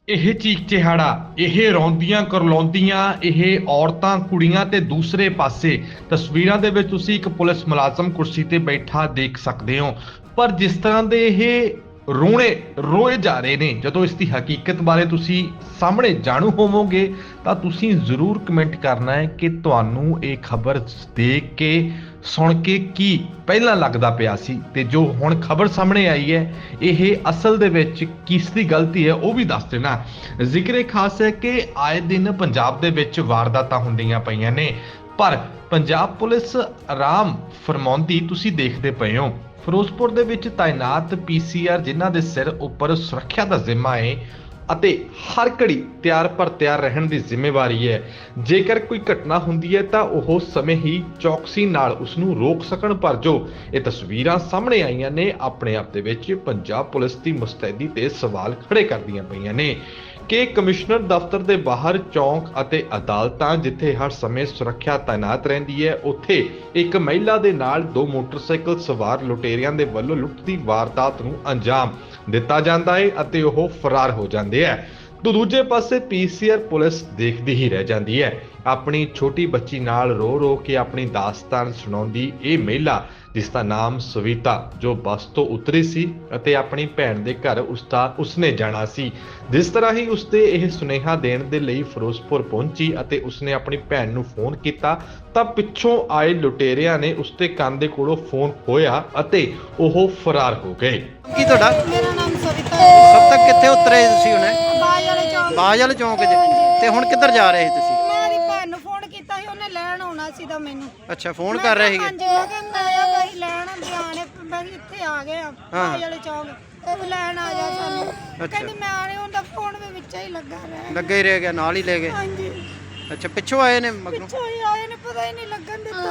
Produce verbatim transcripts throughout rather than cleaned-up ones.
ਇਹ ਚੀਕ ਚਿਹਾੜਾ, ਇਹ ਰੌਂਦੀਆਂ ਕਰਲਾਉਂਦੀਆਂ ਇਹ ਔਰਤਾਂ ਕੁੜੀਆਂ ਤੇ ਦੂਸਰੇ ਪਾਸੇ ਤਸਵੀਰਾਂ ਦੇ ਵਿੱਚ ਤੁਸੀਂ ਇੱਕ ਪੁਲਿਸ ਮੁਲਾਜ਼ਮ ਕੁਰਸੀ ਤੇ ਬੈਠਾ ਦੇਖ ਸਕਦੇ ਹੋ। ਪਰ ਜਿਸ ਤਰ੍ਹਾਂ ਦੇ ਇਹ ਰੋਣੇ ਰੋਏ ਜਾ ਰਹੇ ਨੇ, ਜਦੋਂ ਇਸ ਦੀ ਹਕੀਕਤ ਬਾਰੇ ਤੁਸੀਂ ਸਾਹਮਣੇ ਜਾਣੂ ਹੋਵੋਗੇ ਤਾਂ ਤੁਸੀਂ ਜ਼ਰੂਰ ਕਮੈਂਟ ਕਰਨਾ ਹੈ ਕਿ ਤੁਹਾਨੂੰ ਇਹ ਖਬਰ ਦੇਖ ਕੇ ਸੁਣ ਕੇ ਕੀ ਪਹਿਲਾਂ ਲੱਗਦਾ ਪਿਆ ਸੀ ਤੇ ਜੋ ਹੁਣ ਖਬਰ ਸਾਹਮਣੇ ਆਈ ਹੈ ਇਹ ਅਸਲ ਦੇ ਵਿੱਚ ਕਿਸ ਦੀ ਗਲਤੀ ਹੈ ਉਹ ਵੀ ਦੱਸ ਦੇਣਾ। ਜ਼ਿਕਰ ਖਾਸ ਹੈ ਕਿ ਆਏ ਦਿਨ ਪੰਜਾਬ ਦੇ ਵਿੱਚ ਵਾਰਦਾਤਾਂ ਹੁੰਦੀਆਂ ਪਈਆਂ ਨੇ, ਪਰ ਪੰਜਾਬ ਪੁਲਿਸ ਆਰਾਮ ਫਰਮਾਉਂਦੀ ਤੁਸੀਂ ਦੇਖਦੇ ਪਏ ਹੋ। ਫਿਰੋਜ਼ਪੁਰ ਦੇ ਵਿੱਚ ਤਾਇਨਾਤ ਪੀਸੀਆਰ ਜਿਨ੍ਹਾਂ ਦੇ ਸਿਰ ਉੱਪਰ ਸੁਰੱਖਿਆ ਦਾ ਜ਼ਿੰਮਾ ਹੈ ਅਤੇ ਹਰ ਘੜੀ ਤਿਆਰ ਪਰ ਤਿਆਰ ਰਹਿਣ ਦੀ ਜ਼ਿੰਮੇਵਾਰੀ ਹੈ। ਜੇਕਰ ਕੋਈ ਘਟਨਾ ਹੁੰਦੀ ਹੈ ਤਾਂ ਉਹ ਸਮੇਂ ਹੀ ਚੌਕਸੀ ਨਾਲ ਉਸ ਨੂੰ ਰੋਕ ਸਕਣ, ਪਰ ਜੋ ਇਹ ਤਸਵੀਰਾਂ ਸਾਹਮਣੇ ਆਈਆਂ ਨੇ ਆਪਣੇ ਆਪ ਦੇ ਵਿੱਚ ਪੰਜਾਬ ਪੁਲਿਸ ਦੀ ਮੁਸਤੈਦੀ ਤੇ ਸਵਾਲ ਖੜੇ ਕਰਦੀਆਂ ਪਈਆਂ ਨੇ ਕਿ ਕਮਿਸ਼ਨਰ ਦਫ਼ਤਰ ਦੇ ਬਾਹਰ ਚੌਂਕ ਅਤੇ ਅਦਾਲਤਾਂ ਜਿੱਥੇ ਹਰ ਸਮੇਂ ਸੁਰੱਖਿਆ ਤਾਇਨਾਤ ਰਹਿੰਦੀ ਹੈ, ਉੱਥੇ ਇੱਕ ਮਹਿਲਾ ਦੇ ਨਾਲ ਦੋ ਮੋਟਰਸਾਈਕਲ ਸਵਾਰ ਲੁਟੇਰਿਆਂ ਦੇ ਵੱਲੋਂ ਲੁੱਟ ਦੀ ਵਾਰਦਾਤ ਨੂੰ ਅੰਜਾਮ ਦਿੱਤਾ ਜਾਂਦਾ ਹੈ ਅਤੇ ਉਹ ਫਰਾਰ ਹੋ ਜਾਂਦੇ ਹੈ। तो दूजे पासे पीसीआर पुलिस देखती ही रह जाती है। अपनी छोटी बच्ची नाल रो रो के अपनी दास्तान सुणाउंदी ये महिला जिसका नाम सविता जो बस तो उतरी सी अते अपनी भैन दे घर उसका उसने जाना सी। जिस तरह ही उसते यह सुनेहा देण दे लई फिरोजपुर पहुंची अते उसने अपनी भैन नूं फोन कीता तां पिछों आए लुटेरियां ने उसते कंन दे कोलों फोन खोया अते ओह फरार हो गए। की तुहाडा? मेरा नाम सविता है। कब तक कित्थे उतरे तुसीं हुणे? ਬਾਜ ਵਾਲੇ ਚੌਂਕ। ਬਾਜ ਵਾਲੇ ਚੌਂਕ 'ਚ ਤੇ ਹੁਣ ਕਿੱਧਰ ਜਾ ਰਹੇ ਸੀ ਤੁਸੀਂ? ਮੇਰੀ ਭੈਣ ਨੂੰ ਫੋਨ ਕੀਤਾ ਸੀ, ਉਹਨੇ ਲੈਣ ਆਉਣਾ ਸੀ ਤਾਂ ਮੈਨੂੰ। ਅੱਛਾ, ਫੋਨ ਕਰ ਰਹੇ ਸੀਗੇ। ਹਾਂਜੀ, ਮੈਂ ਕਹਿੰਦਾ ਆ ਭਾਈ ਲੈਣ ਬਿਆਨੇ ਬਈ ਇੱਥੇ ਆ ਗਏ ਆ ਬਾਜ ਵਾਲੇ ਚੌਂਕ, ਉਹ ਲੈਣ ਆ ਜਾ ਸਾਨੂੰ। ਕਹਿੰਦੀ ਮੈਂ ਆ ਰਹੀ, ਉਹਦਾ ਫੋਨ ਵੀ ਵਿੱਚ ਹੀ ਲੱਗਾ ਰਿਹਾ। ਲੱਗਾ ਹੀ ਰਹਿ ਗਿਆ, ਨਾਲ ਹੀ ਲੈ ਗਏ। ਹਾਂਜੀ, ਅੱਛਾ, ਪਿੱਛੋਂ ਆਏ ਨੇ ਮਗਰੋਂ? ਪਿੱਛੋਂ ਹੀ ਆਏ ਨੇ, ਪਤਾ ਹੀ ਨਹੀਂ ਲੱਗਣ ਦਿੱਤਾ।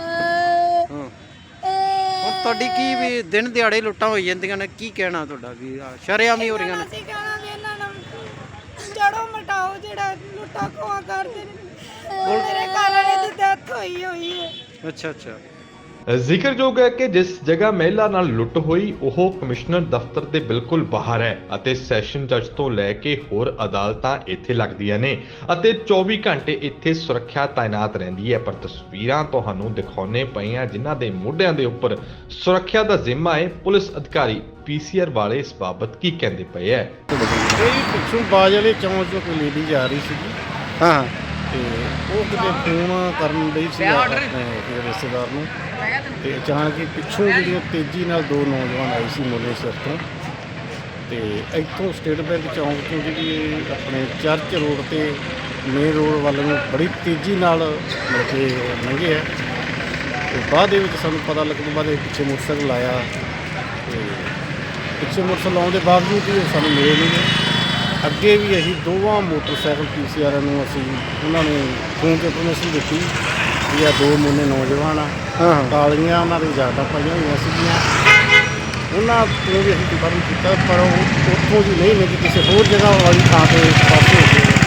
ਹਾਂ, ਹੁਣ ਤੁਹਾਡੀ ਕੀ ਵੀ ਦਿਨ ਦਿਹਾੜੇ ਲੁੱਟਾਂ ਹੋਈ ਜਾਂਦੀਆਂ ਨੇ, ਕੀ ਕਹਿਣਾ ਤੁਹਾਡਾ ਵੀ ਸ਼ਰੇਆਮ ਹੀ ਹੋ ਰਹੀਆਂ ਨੇ? ਅਸੀਂ ਕਹਿਣਾ ਵੀ ਇਹਨਾਂ ਨੂੰ ਜੜੋਂ ਮਟਾਓ ਜਿਹੜਾ ਲੁੱਟਾ ਖੋਆ ਕਰਦੇ ਨੇ। ਮੇਰੇ ਘਰ ਵਾਲੇ ਦੀ ਡੈਥ ਹੋਈ ਹੋਈ ਹੈ। ਅੱਛਾ ਅੱਛਾ। ਜ਼ਿਕਰਯੋਗ ਹੈ ਕਿ ਜਿਸ ਜਗ੍ਹਾ ਮਹਿਲਾ ਨਾਲ ਲੁੱਟ ਹੋਈ ਉਹ ਕਮਿਸ਼ਨਰ ਦਫ਼ਤਰ ਦੇ ਬਿਲਕੁਲ ਬਾਹਰ ਹੈ ਅਤੇ ਸੈਸ਼ਨ ਜੱਜ ਤੋਂ ਲੈ ਕੇ ਹੋਰ ਅਦਾਲਤਾਂ ਇੱਥੇ ਲੱਗਦੀਆਂ ਨੇ ਅਤੇ ਚੌਵੀ ਘੰਟੇ ਇੱਥੇ ਸੁਰੱਖਿਆ ਤਾਇਨਾਤ ਰਹਿੰਦੀ ਹੈ। ਪਰ ਤਸਵੀਰਾਂ ਤੁਹਾਨੂੰ ਦਿਖਾਉਣੇ ਪਈਆਂ ਜਿਨ੍ਹਾਂ ਦੇ ਮੋਢਿਆਂ ਦੇ ਉੱਪਰ ਸੁਰੱਖਿਆ ਦਾ ਜ਼ਿੰਮਾ ਹੈ। ਪੁਲਿਸ ਅਧਿਕਾਰੀ ਪੀਸੀਆਰ ਵਾਲੇ ਇਸ ਬਾਬਤ ਕੀ ਕਹਿੰਦੇ ਪਏ ਹੈ? ਇਹ ਪਿੱਛੋਂ ਬਾਜ ਵਾਲੇ ਚੌਂਕ ਚੋਂ ਕੋਈ ਲੇਡੀ ਜਾ ਰਹੀ ਸੀਗੀ ਹਾਂ, ਤੇ ਉਹ ਕਿਤੇ ਫੋਨ ਕਰਨ ਲਈ ਸੀ ਆਪਣੇ ਰਿਸ਼ਤੇਦਾਰ ਨੂੰ, ਤੇ ਅਚਾਨਕ ਹੀ ਪਿੱਛੋਂ ਜਿਹੜੀ ਉਹ ਤੇਜ਼ੀ ਨਾਲ ਦੋ ਨੌਜਵਾਨ ਆਏ ਸੀ ਮੋਲੇ ਸਿਰ ਤੋਂ, ਤੇ ਇੱਥੋਂ ਸਟੇਟ ਬੈਂਕ ਚੌਂਕ ਤੋਂ ਜਿਹੜੀ ਆਪਣੇ ਚਰਚ ਰੋਡ ਤੇ ਮੇਨ ਰੋਡ ਵੱਲ ਨੂੰ ਬੜੀ ਤੇਜ਼ੀ ਨਾਲ ਮਤਲਬ ਕਿ ਉਹ ਲੰਘੇ ਆ। ਤੇ ਬਾਅਦ ਦੇ ਵਿੱਚ ਸਾਨੂੰ ਪਤਾ ਲੱਗਣ ਤੋਂ ਬਾਅਦ ਇਹ ਪਿੱਛੇ ਮੋਟਰਸਾਈਕਲ ਆਇਆ, ਤੇ ਪਿੱਛੇ ਮੋਟਰਸਾਈਕਲ ਆਉਣ ਦੇ ਬਾਵਜੂਦ ਵੀ ਉਹ ਸਾਨੂੰ ਮਿਲੇ ਨਹੀਂ ਗਏ। ਅੱਗੇ ਵੀ ਅਸੀਂ ਦੋਵਾਂ ਮੋਟਰਸਾਈਕਲ ਪੀਸੀਆਰ ਨੂੰ ਅਸੀਂ ਉਹਨਾਂ ਨੂੰ ਫੋਨ ਤੇ ਇਨਫੋਰਮੇਸ਼ਨ ਦਿੱਤੀ ਵੀ ਆ ਦੋ ਮੁੰਨੇ ਨੌਜਵਾਨ ਆ, ਹਾਂ, ਕਾਲੀਆਂ ਉਹਨਾਂ ਦੇ ਜ਼ਿਆਦਾ ਪਾਈਆਂ ਹੋਈਆਂ ਸੀਗੀਆਂ। ਉਹਨਾਂ ਤੋਂ ਵੀ ਅਸੀਂ ਕਨਫਰਮ ਕੀਤਾ, ਪਰ ਉਹ ਉੱਥੋਂ ਦੀ ਨਹੀਂ ਮਿਲੀ, ਕਿਸੇ ਹੋਰ ਜਗ੍ਹਾ ਵਾਲੀ ਥਾਂ ਤੇ ਪਾਸੇ ਹੋ ਗਏ।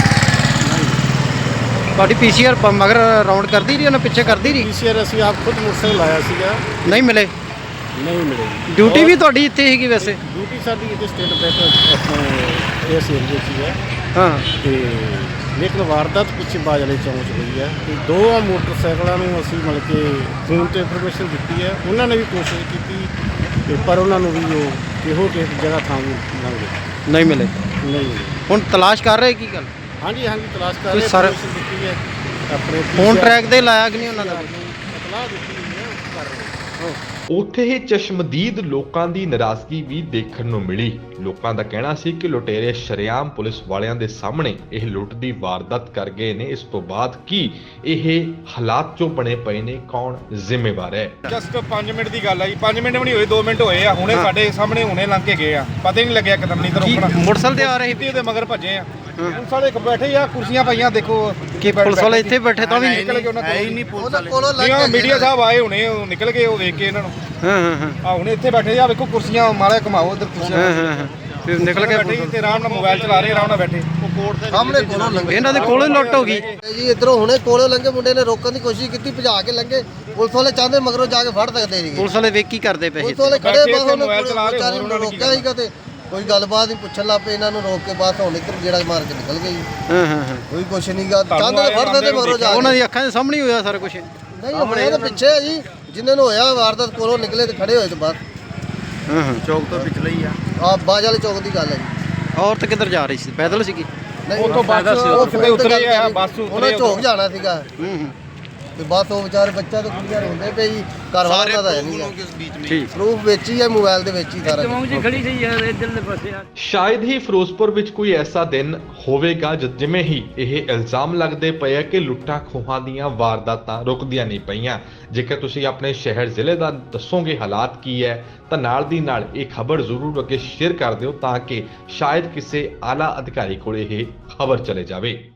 ਤੁਹਾਡੀ ਪੀਸੀਆਰ ਮਗਰ ਰਾਉਂਡ ਕਰਦੀ ਰਹੀ, ਉਹਨੇ ਪਿੱਛੇ ਕਰਦੀ ਰਹੀ? ਪੀਸੀਆਰ ਅਸੀਂ ਆਪ ਖੁਦ ਮੋਟਰਸਾਈਕਲ ਲਾਇਆ ਸੀਗਾ, ਨਹੀਂ ਮਿਲੇ? ਨਹੀਂ ਮਿਲੇ। ਡਿਊਟੀ ਵੀ ਤੁਹਾਡੀ ਇੱਥੇ ਸੀਗੀ ਵੈਸੇ? ਡਿਊਟੀ ਸਾਡੀ ਇੱਥੇ ਸਟੇਟ ਬੈਂਕ ਆਪਣੇ ਇਸ ਏਰੀਏ 'ਚ ਹੀ ਹੈ। ਹਾਂ, ਤੇ ਲੇਕਿਨ ਵਾਰਦਾਤ ਪਿੱਛੇ ਬਾਜ ਵਾਲੇ ਚੌਂਕ 'ਚ ਹੋਈ ਹੈ। ਤੇ ਦੋ ਮੋਟਰਸਾਈਕਲਾਂ ਨੂੰ ਅਸੀਂ ਮਤਲਬ ਕਿ ਫੋਨ ਤੇ ਇਨਫੋਰਮੇਸ਼ਨ ਦਿੱਤੀ ਹੈ, ਉਹਨਾਂ ਨੇ ਵੀ ਕੋਸ਼ਿਸ਼ ਕੀਤੀ ਤੇ ਪਰ ਉਹਨਾਂ ਨੂੰ ਵੀ ਉਹ ਕਿਹੋ ਜਿਹੀ ਜਗ੍ਹਾ ਥਾਂ ਵੀ ਲੰਘੇ ਨਹੀਂ ਮਿਲੇ। ਨਹੀਂ ਮਿਲੇ। ਹੁਣ ਤਲਾਸ਼ ਕਰ ਰਹੇ ਕੀ ਗੱਲ? ਹਾਂਜੀ ਹਾਂਜੀ, ਤਲਾਸ਼ ਕਰ ਕੋਈ ਰਹੇ, ਸਰ- ਇਨਫੋਰਮੇਸ਼ਨ ਦਿੱਤੀ ਹੈ ਆਪਣੇ ਫੋਨ ਟਰੈਕ ਦੇ ਲਾਇਆ ਕਿ ਨਹੀਂ ਉਹਨਾਂ ਦਾ? ਇਤਲਾਹ ਦਿੱਤੀ ਹੋਈ ਹੈ, ਕਰ ਰਹੇ ਹਾਂ। ਉੱਥੇ ਹੀ ਚਸ਼ਮਦੀਦ ਲੋਕਾਂ ਦੀ ਨਾਰਾਜ਼ਗੀ ਵੀ ਦੇਖਣ ਨੂੰ ਮਿਲੀ। ਲੋਕਾਂ ਦਾ ਕਹਿਣਾ ਸੀ ਕਿ ਲੁਟੇਰੇ ਸ਼ਰੇਆਮ ਪੁਲਿਸ ਵਾਲਿਆਂ ਦੇ ਸਾਹਮਣੇ ਇਹ ਲੁੱਟ ਦੀ ਵਾਰਦਾਤ ਕਰ ਗਏ ਨੇ। ਇਸ ਤੋਂ ਬਾਅਦ ਕੀ ਇਹ ਹਾਲਾਤ ਜੋ ਬਣੇ ਪਏ ਨੇ, ਕੌਣ ਜ਼ਿੰਮੇਵਾਰ ਹੈ? ਜਸਟ ਪੰਜ ਮਿੰਟ ਦੀ ਗੱਲ ਆ ਜੀ, ਪੰਜ ਮਿੰਟ ਵੀ ਨਹੀਂ ਹੋਏ, ਦੋ ਮਿੰਟ ਹੋਏ ਆ। ਹੁਣੇ ਸਾਡੇ ਸਾਹਮਣੇ ਹੁਣੇ ਲੰਘ ਕੇ ਗਏ ਆ, ਪਤਾ ਹੀ ਨਹੀਂ ਲੱਗਿਆ ਕਦਮ ਨਹੀਂ ਕੀ ਰੋਕਣਾ। ਮੋਟਰਸਾਈਕਲ ਤੇ ਆ ਰਹੇ ਸੀ? ਇਹਦੇ ਮਗਰ ਭੱਜੇ ਆ। ਹੁਣ ਸਾਡੇ ਬੈਠੇ ਆ, ਕੁਰਸੀਆਂ ਪਈਆਂ ਦੇਖੋ। ਕਿ ਪੁਲਿਸ ਵਾਲੇ ਇੱਥੇ ਬੈਠੇ ਤਾਂ ਵੀ ਨਿਕਲ ਗਏ ਉਹਨਾਂ ਕੋਲ ਨਹੀਂ ਪੁਲਿਸ ਵਾਲੇ ਨਹੀਂ, ਮੀਡੀਆ ਸਾਹਿਬ ਆਏ ਹੁਣੇ, ਉਹ ਨਿਕਲ ਗਏ, ਉਹ ਵੇਖ ਕੇ ਇਹਨਾਂ ਨੂੰ। ਹਾਂ ਹਾਂ ਹਾਂ ਆ ਹੁਣੇ ਇੱਥੇ ਬੈਠੇ ਆ, ਵੇਖੋ ਕੁਰਸੀਆਂ ਮਾਰੇ ਘੁਮਾਓ ਉਧਰ ਹਾਂ ਕੁਰਸੀਆਂ ਹਾਂ ਹਾਂ ਫਿਰ ਨਿਕਲ ਕੇ ਬੈਠੇ ਤੇ ਆਰਾਮ ਨਾਲ ਮੋਬਾਈਲ ਚਲਾ ਰਹੇ, ਆਰਾਮ ਨਾਲ ਬੈਠੇ। ਸਾਹਮਣੇ ਕੋਲੋਂ ਲੰਘੇ ਇਹਨਾਂ ਦੇ ਕੋਲੋਂ ਹੀ ਲੁੱਟ ਹੋ ਗਈ ਜੀ। ਇਧਰੋਂ ਹੁਣੇ ਕੋਲੋਂ ਲੰਘੇ, ਮੁੰਡੇ ਨੇ ਰੋਕਣ ਦੀ ਕੋਸ਼ਿਸ਼ ਕੀਤੀ, ਭਜਾ ਕੇ ਲੰਘੇ। ਪੁਲਿਸ ਵਾਲੇ ਚਾਹੁੰਦੇ ਮਗਰੋਂ ਜਾ ਕੇ ਫੜ ਸਕਦੇ ਸੀਗੇ। ਪੁਲਿਸ ਵਾਲੇ ਵੇਖ ਕੀ ਕਰਦੇ ਪਏ ਸੀ? ਪੁਲਿਸ ਵਾਲੇ ਖੜੇ ਬੈਠੇ ਬਾਹਰ ਇੱਥੇ ਮੋਬਾਈਲ ਚਲਾ ਰਹੇ, ਵਿਚਾਰੇ ਹੋਰ ਉਹਨਾਂ ਨੇ ਕੀ ਰੋਕਿਆ ਸੀਗਾ ਤੇ ਕੋਈ ਗੱਲਬਾਤ ਨਹੀਂ ਪੁੱਛਣ ਲੱਗ ਪਏ ਇਹਨਾਂ ਨੂੰ ਰੋਕ ਕੇ ਬਸ ਹੁਣ ਇੱਧਰ ਜਿਹੜਾ ਮਾਰ ਕੇ ਨਿਕਲ ਗਈ ਹਾਂ ਹਾਂ ਹਾਂ ਕੋਈ ਕੁਛ ਨਹੀਂ ਗਾ ਤੁਹਾਨੂੰ ਚੰਦ ਦੇ ਫੜਦੇ ਤੇ ਮਗਰੋਂ ਜਾ ਉਹਨਾਂ ਕੇ। ਦੀ ਅੱਖਾਂ ਦੇ ਸਾਹਮਣੇ ਹੀ ਹੋਇਆ ਸਾਰਾ ਕੁਝ ਨਹੀਂ ਹੁਣੇ ਤਾਂ ਪਿੱਛੇ ਆ ਜੀ ਜਿੰਨੇ ਨੂੰ ਹੋਇਆ ਵਾਰਦਾਤ ਕੋਲੋਂ ਨਿਕਲੇ ਤੇ ਖੜੇ ਹੋਏ ਤੇ ਬਸ ਹਾਂ ਹਾਂ ਚੌਕ ਤੋਂ ਪਿਛਲੇ ਹੀ ਆ ਆ ਬਾਜ ਵਾਲੇ ਚੌਕ ਦੀ ਗੱਲ ਹੈ ਜੀ ਔਰਤ ਕਿੱਧਰ ਜਾ ਰਹੀ ਸੀ ਪੈਦਲ ਸੀਗੀ ਨਹੀਂ ਉੱਥੋਂ ਬੱਸ ਉਹ ਸਿੱਧੇ ਉਤਰੇ ਆ ਬੱਸ ਉਹਨੇ ਉਤਰੇ ਝੋਕ ਜਾਣਾ ਸੀਗਾ ਹੂੰ ਹੂੰ ਤੇ ਬਸ ਉਹ ਵਿਚਾਰੇ ਬੱਚਾ ਤੇ ਕੁੜੀਆਂ ਰੋਂਦੇ ਪਏ ਜੀ ਘਰ ਵਾਲਾ ਦਾ ਹੈ ਨਹੀਂ ਠੀਕ ਪ੍ਰੂਫ ਵਿੱਚ ਹੀ ਹੈ ਮੋਬਾਈਲ ਦੇ ਵਿੱਚ ਹੀ ਸਾਰਾ ਕੁਛ। ਸ਼ਾਇਦ ਹੀ ਫਿਰੋਜ਼ਪੁਰ ਵਿੱਚ ਕੋਈ ਐਸਾ ਦਿਨ ਹੋਵੇਗਾ ਜਦ ਜਿਵੇਂ ਹੀ ਇਹ ਇਲਜ਼ਾਮ ਲੱਗਦੇ ਪਏ ਆ ਕਿ ਲੁੱਟਾਂ ਖੋਹਾਂ ਦੀਆਂ ਵਾਰਦਾਤਾਂ ਰੁਕਦੀਆਂ ਨਹੀਂ ਪਈਆਂ। ਜੇਕਰ ਤੁਸੀਂ ਆਪਣੇ ਸ਼ਹਿਰ ਜ਼ਿਲ੍ਹੇ ਦਾ ਦੱਸੋਗੇ ਹਾਲਾਤ ਕੀ ਹੈ ਤਾਂ ਨਾਲ ਦੀ ਨਾਲ ਇਹ ਖਬਰ ਜ਼ਰੂਰ ਅੱਗੇ ਸ਼ੇਅਰ ਕਰ ਦਿਓ ਤਾਂ ਕਿ ਸ਼ਾਇਦ ਕਿਸੇ ਆਲਾ ਅਧਿਕਾਰੀ ਕੋਲ ਇਹ ਖਬਰ ਚਲੇ ਜਾਵੇ।